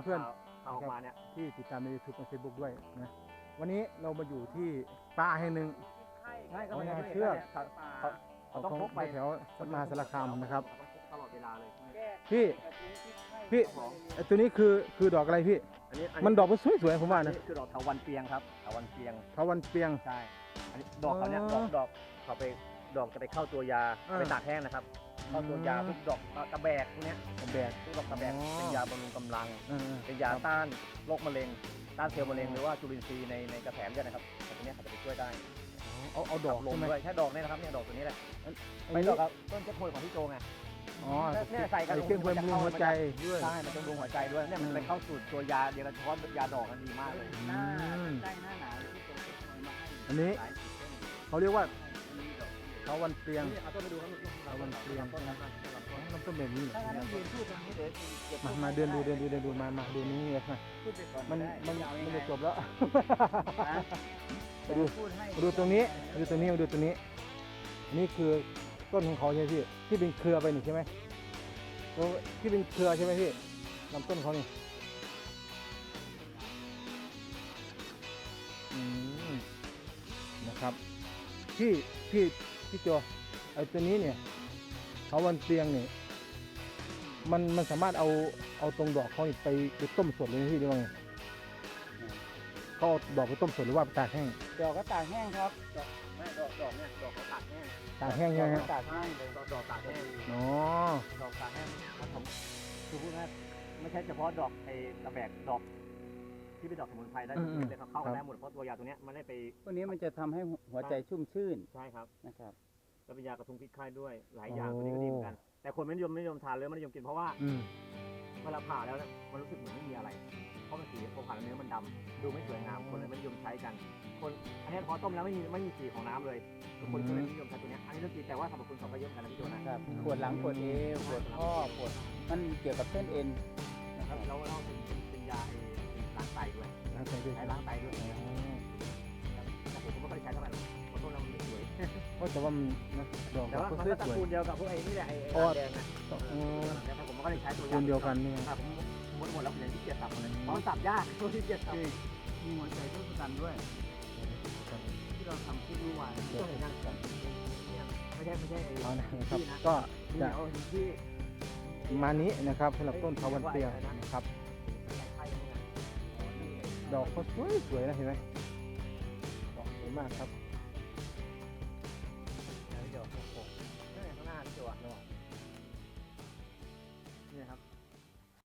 เพื่อนเอาออกมาเนี่ยที่ติดตามใน YouTube และ Facebook ด้วยนะวันนี้เรามาอยู่ที่ป่าแห่งหนึ่งใช่ก็เอาไม่ไงได้เชือกเขาต้องพกไปแถวมหาสารคามนะครับตลอดเวลาเลยพี่ไอ้ตัวนี้คือดอกอะไรพี่ มันดอกมันสวยๆผมว่าอันนะนี้คือดอกเถาวัลย์เปียงครับเถาวัลย์เปียงทวันเปียงใช่อันนี้ดอกเขาเนี่ยอ๋อดอกเขาไปดอกจะไปเข้าตัวยาอ่าไปตากแห้งนะครับเข้าตัวยาอืมพวกดอกกระแบกพวกเนี้ยแบกพวกดอกกระแบกอ๋อเป็นยาบำรุงกำลังๆเป็นยาต้านโรคมะเร็งต้านเซลล์มะเร็งหรือว่าจุลินทรีย์ในกระแสเลือดนะครับแต่ตัวเนี้ยเขาจะไปช่วยได้เอาดอกลใช่มไหมด้วยแค่ดอกเนี่ยนะครับเนี่ยดอกตัวนี้แหละอันไม่นี้ดอกครับต้นเจ็ดโพยของพี่โจไงอ๋อเนี่ยใส่กระเครื่องบำรุงหัวใจด้วยใช่มันจะบำรุงหัวใจด้วยเนี่ยมันไปเข้าสูตรตัวยาเดียวกันเฉพาะยาดอกกันดีมากเลยอืมได้หน้าหนาวที่โจเก็บมาให้อันนี้หลายสิบต้นเขาเรียกว่าอันนี้ดอกทวันเปียงนี่เอาต้นไปดูครับเถาวัลย์เปียงต้นนะครับต้นน้ำต้นแบบนี้เหรอถ้างั้นยืนพูดตรงนี้เดี๋ยวเก็บมาเดินดูมาดูนี่เลยนะพูดไปก่อนมันได้มันยาวยังมันไงจะจบแล้วนะไปดูพูดให้มาดูตรงนี้มาดูตรงนี้มาดูตรงนี้อันนี้คือต้นของเขาใช่ไหมพี่ที่เป็นเครือไปนี่ใช่ไหมตรงที่เป็นเครือใช่ไหมพี่ลำต้นเขานี่อืมนะครับพี่โจไอ้ตัวนี้เนี่ยเขาวันเตียงเนี่ยมันสามารถเอาตรงดอกเขานี่ไปต้มสดเลยนะพี่หรือว่าไงเขาเอาดอกไปต้มสดหรือว่าไปตากแห้งดอกก็ตากแห้งครับไม่ดอกเนี่ยดอกเขาตากแห้งตากแห้งใช่ไหมฮะตากแห้งเลยดอกตากแห้งอ๋อดอกตากแห้งครับผมคือพูดง่ายไม่ใช่เฉพาะดอกไอ้กระแบกดอกที่เป็นดอกสมุนไพรได้ทุกชนิดเลยครับเข้ากันได้หมดเพราะตัวยาตัวเนี้ยมันได้ไปพวกนี้มันจะทำให้หัวใจชุ่มชื่นใช่ครับนะครับแล้วเป็นยากระทุ้งพิษไข้ด้วยหลายอย่างตัวนี้ก็ดีเหมือนกัน แต่คนไม่นิยมทานเลยไม่นิยมกินเพราะว่าอืมเวลาผ่าแล้วเนี่ยมันรู้สึกเหมือนไม่มีอะไร เพราะมันสีพอผ่าแล้วเนื้อมันดำดูไม่สวยงามคนเลยไม่นิยมใช้กัน คนอันนี้พอต้มแล้วไม่มีสีของน้ำเลยคนก็เลยนิยมใช้ตัวเนี้ยอันนี้เรื่องจริงแต่ว่าสรรพคุณเขาก็เยอะเหมือนกันนะพี่โจนะครับปวดหลังปวดเอวปวดข้อปวดมันเกี่ยวกับเส้นเอ็นแล้วเราเป็นยาล้างไตด้วยล้างไตด้วยใช้ล้างไตด้วยแต่ผมก็ไม่ค่อยใช้เท่าไหร่เพราะต้นเรามันไม่สวยเพราะแต่ว่ามันนะดอกแต่ว่าก็มันสวยก็ตระกูลเดียวกับพวกไอ้นี่แหละไอ้อ๋อแดงนะอืมแต่ผมก็ได้ใช้ตัวคนเดียวกันนี่ครับผมหมดแล้วผมยังที่เกียจสับเลยเพราะมันสับยากตัวที่เกียจสับมีหัวใจทศกัณฐ์ด้วย ที่เราทำคลิปเมื่อวานต้องเห็นนั่งก่อนไม่ใช่เอานะครับที่นะก็ที่จะเอาที่ประมาณนี้นะครับสำหรับต้นทวันเปียงนะครับ ดอกเขาสวยๆนะเห็นไหมดอกสวยมากครับ